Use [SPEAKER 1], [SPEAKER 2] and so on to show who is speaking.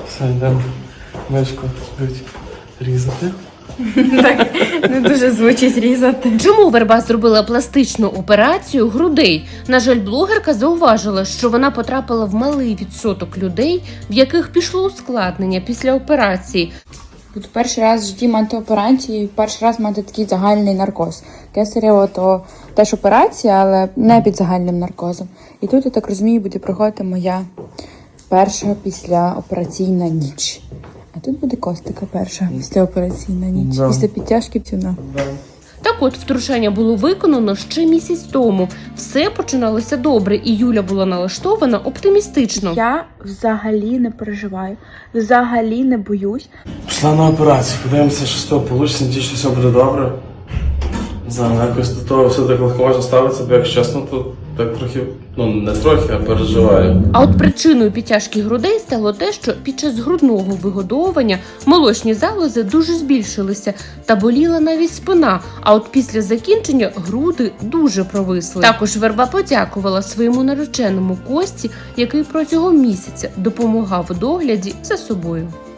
[SPEAKER 1] Все, йдемо мишку різати.
[SPEAKER 2] Так, не дуже звучить різати.
[SPEAKER 3] Чому Верба зробила пластичну операцію грудей? На жаль, блогерка зауважила, що вона потрапила в малий відсоток людей, в яких пішло ускладнення після операції.
[SPEAKER 2] Буду перший раз в житті мати операцію і перший раз мати такий загальний наркоз. Кесарево то теж операція, але не під загальним наркозом. І тут, я так розумію, буде проходити моя перша післяопераційна ніч. А тут буде Костика перша післяопераційна ніч.
[SPEAKER 1] Да.
[SPEAKER 2] Після підтяжки псюна.
[SPEAKER 3] Так от, втручання було виконано ще місяць тому. Все починалося добре, і Юля була налаштована оптимістично.
[SPEAKER 2] Я взагалі не переживаю, взагалі не боюсь.
[SPEAKER 1] Пішла на операцію, подивимося, що з того вийде, надіюсь, що все буде добре. Не знаю, якось до того все так легко можна ставитися, бо якщо чесно, то так трохи, не трохи, а переживаю.
[SPEAKER 3] А от причиною підтяжки грудей стало те, що під час грудного вигодовування молочні залози дуже збільшилися та боліла навіть спина, а от після закінчення груди дуже провисли. Також Верба подякувала своєму нареченому Кості, який протягом місяця допомагав у догляді за собою.